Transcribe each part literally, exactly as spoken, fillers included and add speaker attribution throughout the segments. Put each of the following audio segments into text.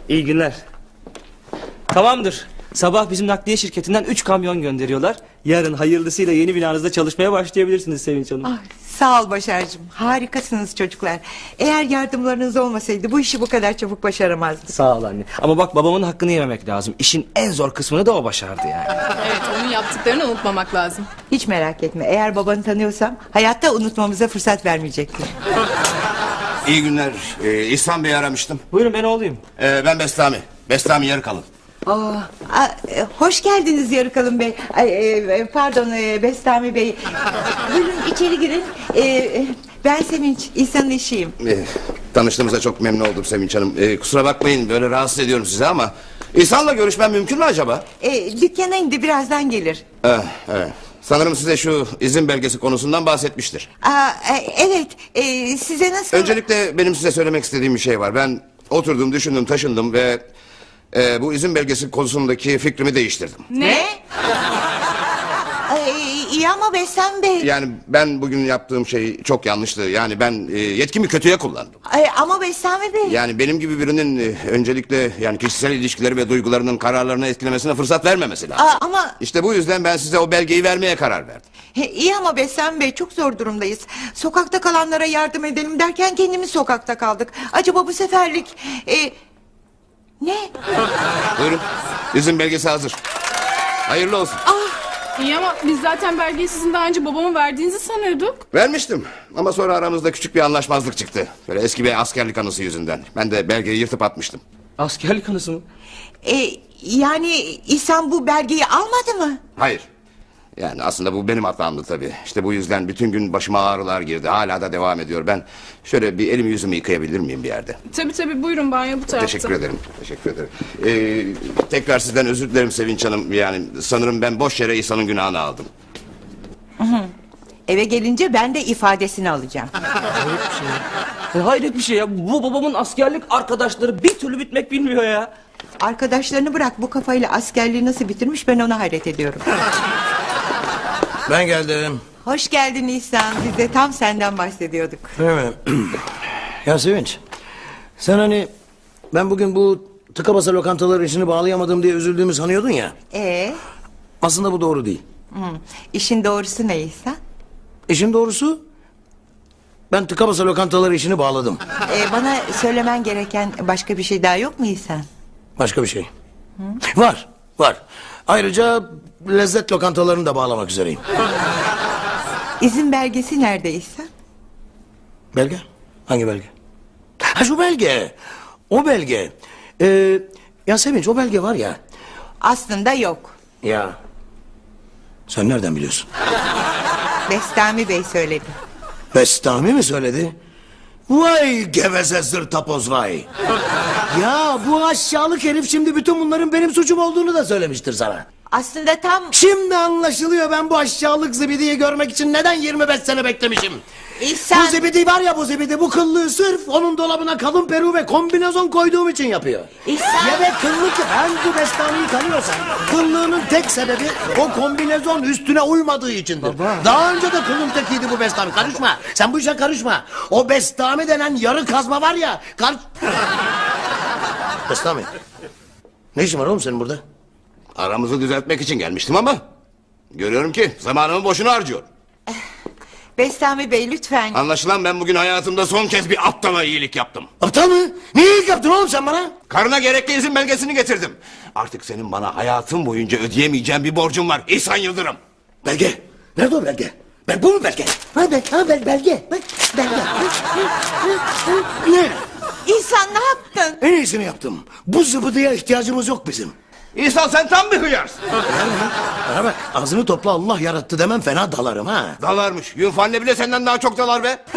Speaker 1: İyi günler. Tamamdır. Sabah bizim nakliye şirketinden üç kamyon gönderiyorlar. Yarın hayırlısıyla yeni binanızda çalışmaya başlayabilirsiniz Sevinç Hanım.
Speaker 2: Ah, sağ ol Başar'cığım. Harikasınız çocuklar. Eğer yardımlarınız olmasaydı bu işi bu kadar çabuk başaramazdık.
Speaker 1: Sağ ol anne. Ama bak, babamın hakkını yememek lazım. İşin en zor kısmını da o başardı yani.
Speaker 3: Evet, onun yaptıklarını unutmamak lazım.
Speaker 2: Hiç merak etme. Eğer babanı tanıyorsam hayatta unutmamıza fırsat vermeyecektir.
Speaker 4: İyi günler. Ee, İhsan Bey'i aramıştım.
Speaker 1: Buyurun, ben oğluyum.
Speaker 4: Ee, ben Bestami. Bestami Yarıkalın.
Speaker 2: Aa, aa, e, hoş geldiniz Yarıkalın Bey. Ay, e, pardon e, Bestami Bey. Buyurun içeri girin. E, e, ben Sevinç, İhsan'ın eşiyim.
Speaker 4: Ee, tanıştığımıza çok memnun oldum Sevinç Hanım. Ee, kusura bakmayın böyle rahatsız ediyorum sizi ama... İhsan'la görüşmem mümkün mü acaba?
Speaker 2: E, dükkana indi, birazdan gelir.
Speaker 4: Ee, evet. Sanırım size şu izin belgesi konusundan bahsetmiştir.
Speaker 2: Aa, e, evet, e, size nasıl...
Speaker 4: Öncelikle benim size söylemek istediğim bir şey var. Ben oturdum, düşündüm, taşındım ve... E, bu izin belgesi konusundaki fikrimi değiştirdim.
Speaker 2: Ne? Ay, iyi ama Bestami Bey.
Speaker 4: Yani ben bugün yaptığım şey çok yanlıştı. Yani ben e, yetkimi kötüye kullandım.
Speaker 2: Ay, ama Bestami Bey.
Speaker 4: Yani benim gibi birinin e, öncelikle yani kişisel ilişkileri ve duygularının kararlarını etkilemesine fırsat vermemesi lazım.
Speaker 2: Aa, ama
Speaker 4: İşte bu yüzden ben size o belgeyi vermeye karar verdim.
Speaker 2: he, iyi ama Bestami Bey, çok zor durumdayız. Sokakta kalanlara yardım edelim derken kendimiz sokakta kaldık. Acaba bu seferlik... E, ne?
Speaker 4: Buyurun. İzin belgesi hazır. Hayırlı olsun.
Speaker 3: İyi ama biz zaten belgeyi sizin daha önce babama verdiğinizi sanıyorduk.
Speaker 4: Vermiştim ama sonra aramızda küçük bir anlaşmazlık çıktı. Böyle eski bir askerlik anısı yüzünden. Ben de belgeyi yırtıp atmıştım.
Speaker 1: Askerlik anısı mı?
Speaker 2: E, yani İhsan bu belgeyi almadı mı?
Speaker 4: Hayır. Yani aslında bu benim hatamdı tabii. İşte bu yüzden bütün gün başıma ağrılar girdi. Hala da devam ediyor. Ben şöyle bir elimi yüzümü yıkayabilir miyim bir yerde?
Speaker 3: Tabii tabii, buyurun, banyo bu tarafta.
Speaker 4: Teşekkür ederim. Teşekkür ederim. Ee, tekrar sizden özür dilerim Sevinç Hanım. Yani sanırım ben boş yere İhsan'ın günahını aldım.
Speaker 2: Eve gelince ben de ifadesini alacağım.
Speaker 1: E, hayret bir şey ya. Bu babamın askerlik arkadaşları bir türlü bitmek bilmiyor ya.
Speaker 2: Arkadaşlarını bırak, bu kafayla askerliği nasıl bitirmiş, ben ona hayret ediyorum.
Speaker 5: Ben geldim.
Speaker 2: Hoş geldin İhsan. Biz de tam senden bahsediyorduk.
Speaker 5: Evet. Ya Sevinç, sen hani ben bugün bu tıka basa lokantalar işini bağlayamadım diye üzüldüğümü sanıyordun ya.
Speaker 2: Ee,
Speaker 5: Aslında bu doğru değil.
Speaker 2: hı, işin doğrusu ne İhsan?
Speaker 5: İşin doğrusu ben tıka basa lokantalar işini bağladım.
Speaker 2: Ee, bana söylemen gereken başka bir şey daha yok mu İhsan?
Speaker 5: Başka bir şey. Var, var. Ayrıca lezzet lokantalarını da bağlamak üzereyim.
Speaker 2: İzin belgesi nerede İhsan?
Speaker 5: Belge? Hangi belge? Ha, şu belge. O belge. Ee, ya Sevinç, o belge var ya.
Speaker 2: Aslında yok.
Speaker 5: Ya. Sen nereden biliyorsun?
Speaker 2: Bestami Bey söyledi.
Speaker 5: Bestami mi söyledi? Vay geveze zırtapoz vay. Ya bu aşağılık herif şimdi bütün bunların benim suçum olduğunu da söylemiştir sana.
Speaker 2: Aslında tam...
Speaker 5: Şimdi anlaşılıyor ben bu aşağılık zibidiyi görmek için neden yirmi beş sene beklemişim.
Speaker 2: İhsan...
Speaker 5: Bu zibidi var ya, bu zibidi, bu kıllığı sırf onun dolabına kalın peru ve kombinezon koyduğum için yapıyor.
Speaker 2: İhsan...
Speaker 5: Ya ve kıllık, ben bu Bestami'yi tanıyorsam kıllığının tek sebebi o kombinezon üstüne uymadığı içindir. Baba. Daha önce de kılın tekiydi bu Bestami, karışma. Sen bu işe karışma. O Bestami denen yarı kazma var ya, kar... Bestami, ne işin var oğlum senin burada?
Speaker 4: Aramızı düzeltmek için gelmiştim ama... görüyorum ki zamanımı boşuna harcıyor.
Speaker 2: Bestami Bey lütfen.
Speaker 4: Anlaşılan ben bugün hayatımda son kez bir aptala iyilik yaptım.
Speaker 5: Aptal mı? Ne iyilik yaptın oğlum sen bana?
Speaker 4: Karına gerekli izin belgesini getirdim. Artık senin bana hayatın boyunca ödeyemeyeceğin bir borcun var İhsan Yıldırım.
Speaker 5: Belge. Nerede o belge? Ben bu mu belge? Ha, bel, ha bel, belge. Bak, belge. Ne?
Speaker 2: İhsan ne yaptın?
Speaker 5: En iyisini yaptım. Bu zıbıdıya ihtiyacımız yok bizim.
Speaker 4: İhsan sen tam bir hıyarsın.
Speaker 5: Bana bak, ağzını topla, Allah yarattı demem fena dalarım ha.
Speaker 4: Dalarmış. Yunfanne bile senden daha çok dalar be.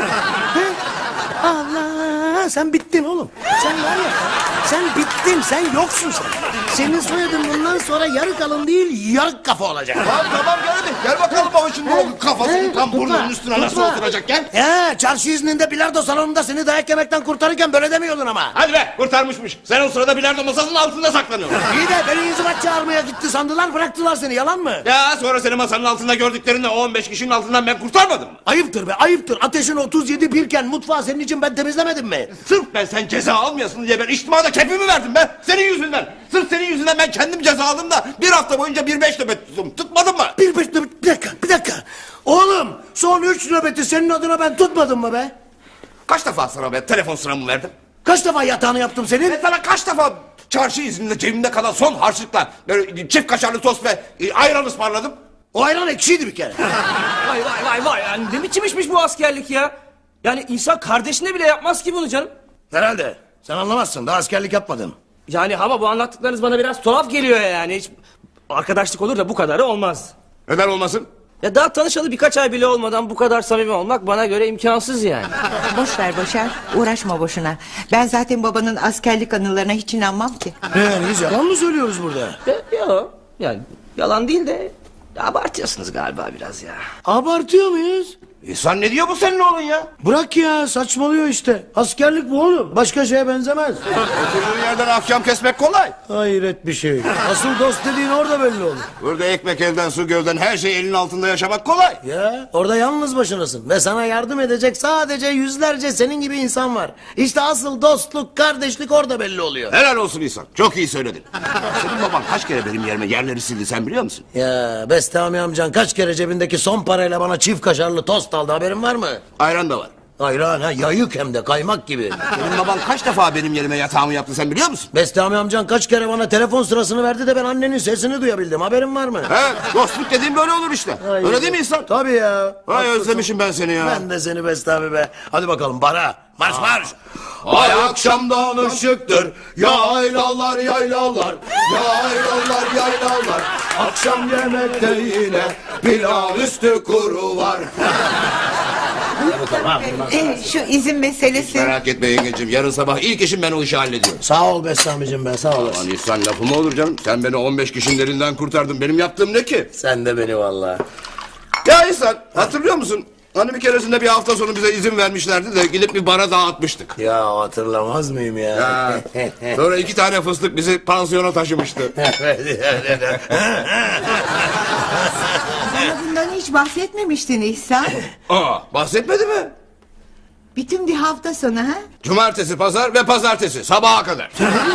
Speaker 5: Allah, sen bittin oğlum. Sen var ya, sen bittin, sen yoksun sen. Senin soyadın bundan sonra yarık alın değil, yarık kafa olacak.
Speaker 4: Tamam tamam gel hadi. Gel bakalım baba şimdi o kafasını tam burnunun üstüne nasıl oturacak gel.
Speaker 5: Ya çarşı izninde bilardo salonunda seni dayak yemekten kurtarırken böyle demiyordun ama.
Speaker 4: Hadi be kurtarmışmış. Sen o sırada bilardo masasının altında saklanıyorsun.
Speaker 5: İyi de beni inzibat çağırmaya gitti sandılar, bıraktılar seni, yalan mı?
Speaker 4: Ya sonra seni masanın altında gördüklerinde o on beş kişinin altından ben kurtarmadım mı?
Speaker 5: Ayıptır be, ayıptır. Ateşin otuz yedi birken mutfağı senin için ben temizlemedim mi?
Speaker 4: Sırf ben sen ceza almayasın diye ben içtimada kepimi verdim be. be? Senin yüzünden. Sırf senin yüzünden ben kendim ceza aldım da bir hafta boyunca bir beş nöbet tuttum. Tutmadın mı?
Speaker 5: Bir, bir, bir dakika, bir dakika. Oğlum, son üç nöbeti senin adına ben tutmadım mı be?
Speaker 4: Kaç defa sana ben telefon sıramı verdim?
Speaker 5: Kaç defa yatağını yaptım senin?
Speaker 4: Ben sana kaç defa çarşı izninde cebimde kalan son harçlıkla böyle çift kaşarlı tost ve e, ayran ısmarladım?
Speaker 5: O ayran ekşiydi bir kere.
Speaker 1: Vay vay vay vay. Yani ne biçim işmiş bu askerlik ya? Yani insan kardeşine bile yapmaz ki bunu canım.
Speaker 5: Herhalde. Sen anlamazsın, daha askerlik yapmadın.
Speaker 1: Yani ama bu anlattıklarınız bana biraz tuhaf geliyor yani. Hiç arkadaşlık olur da bu kadarı olmaz.
Speaker 4: Neden olmasın?
Speaker 1: Ya daha tanışalı birkaç ay bile olmadan bu kadar samimi olmak bana göre imkansız yani.
Speaker 2: Boş ver Başar, uğraşma boşuna. Ben zaten babanın askerlik anılarına hiç inanmam ki.
Speaker 5: Yani biz yalan mı söylüyoruz burada?
Speaker 1: E, Yok yani yalan değil de abartıyorsunuz galiba biraz ya.
Speaker 5: Abartıyor muyuz?
Speaker 4: İhsan ne diyor bu senin oğlun ya?
Speaker 5: Bırak ya, saçmalıyor işte. Askerlik bu oğlum, başka şeye benzemez.
Speaker 4: Oturduğun yerden ahkam kesmek kolay.
Speaker 5: Hayret bir şey. Asıl dost dediğin orada belli olur.
Speaker 4: Burada ekmek elden su gölden her şey elin altında yaşamak kolay.
Speaker 5: Ya orada yalnız başınasın ve sana yardım edecek sadece yüzlerce senin gibi insan var. İşte asıl dostluk, kardeşlik orada belli oluyor.
Speaker 4: Helal olsun İhsan. Çok iyi söyledin. Senin baban kaç kere benim yerime yerleri sildi sen biliyor musun?
Speaker 5: Ya Bestami amcan kaç kere cebindeki son parayla bana çift kaşarlı tost aldı, haberin var mı?
Speaker 4: Ayran da var.
Speaker 5: Ayran ha, yayık hem de kaymak gibi.
Speaker 4: Senin baban kaç defa benim yerime yatağımı yaptı sen biliyor musun?
Speaker 5: Bestami amcan kaç kere bana telefon sırasını verdi de ben annenin sesini duyabildim, haberin var mı?
Speaker 4: He, dostluk dediğin böyle olur işte.
Speaker 5: Ay,
Speaker 4: Öyle değil mi İhsan?
Speaker 5: Tabii ya.
Speaker 4: Vay
Speaker 5: Haklısın.
Speaker 4: özlemişim ben seni ya.
Speaker 5: Ben de seni Bestami be. Hadi bakalım bara. Marş marş.
Speaker 4: Ay akşamdan ışıktır,
Speaker 5: yaylalar yaylalar, yaylalar yaylalar. Akşam yemekte yine pilav üstü kuru var.
Speaker 2: E, şu izin meselesi.
Speaker 4: Merak etme yengeciğim. Yarın sabah ilk işim ben o işi hallediyorum.
Speaker 5: Sağ ol Bestami'cim be, sağ olasın.
Speaker 4: Lan İhsan lafı mı olur canım? Sen beni on beş kişinin elinden kurtardın. Benim yaptığım ne ki?
Speaker 5: Sen de beni vallahi.
Speaker 4: Ya İhsan hatırlıyor musun? Hani bir keresinde bir hafta sonu bize izin vermişlerdi de gidip bir bara dağıtmıştık.
Speaker 5: Ya hatırlamaz mıyım ya?
Speaker 4: Ha. Sonra iki tane fıstık bizi pansiyona taşımıştı.
Speaker 2: Bana bundan hiç bahsetmemiştin İhsan.
Speaker 4: Aa, bahsetmedi mi?
Speaker 2: Bütün bir hafta sonu ha?
Speaker 4: Cumartesi, pazar ve pazartesi sabaha kadar.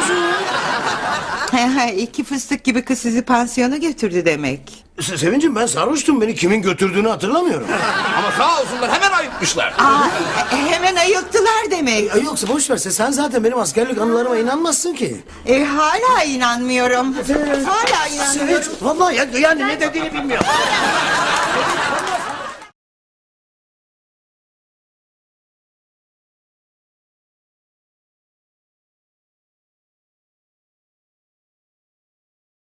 Speaker 2: İki fıstık gibi kız sizi pansiyona götürdü demek.
Speaker 5: Se- Sevincim ben sarhoştum, beni kimin götürdüğünü hatırlamıyorum.
Speaker 4: Ama sağ olsunlar hemen ayıtmışlar.
Speaker 2: Aa, e, hemen ayılttılar demek.
Speaker 5: Ya yoksa boş verse, sen zaten benim askerlik anılarıma inanmazsın ki.
Speaker 2: E, hala inanmıyorum. Hala inanmıyorum.
Speaker 5: Sevinç, vallahi ya, yani ne dediğini bilmiyorum.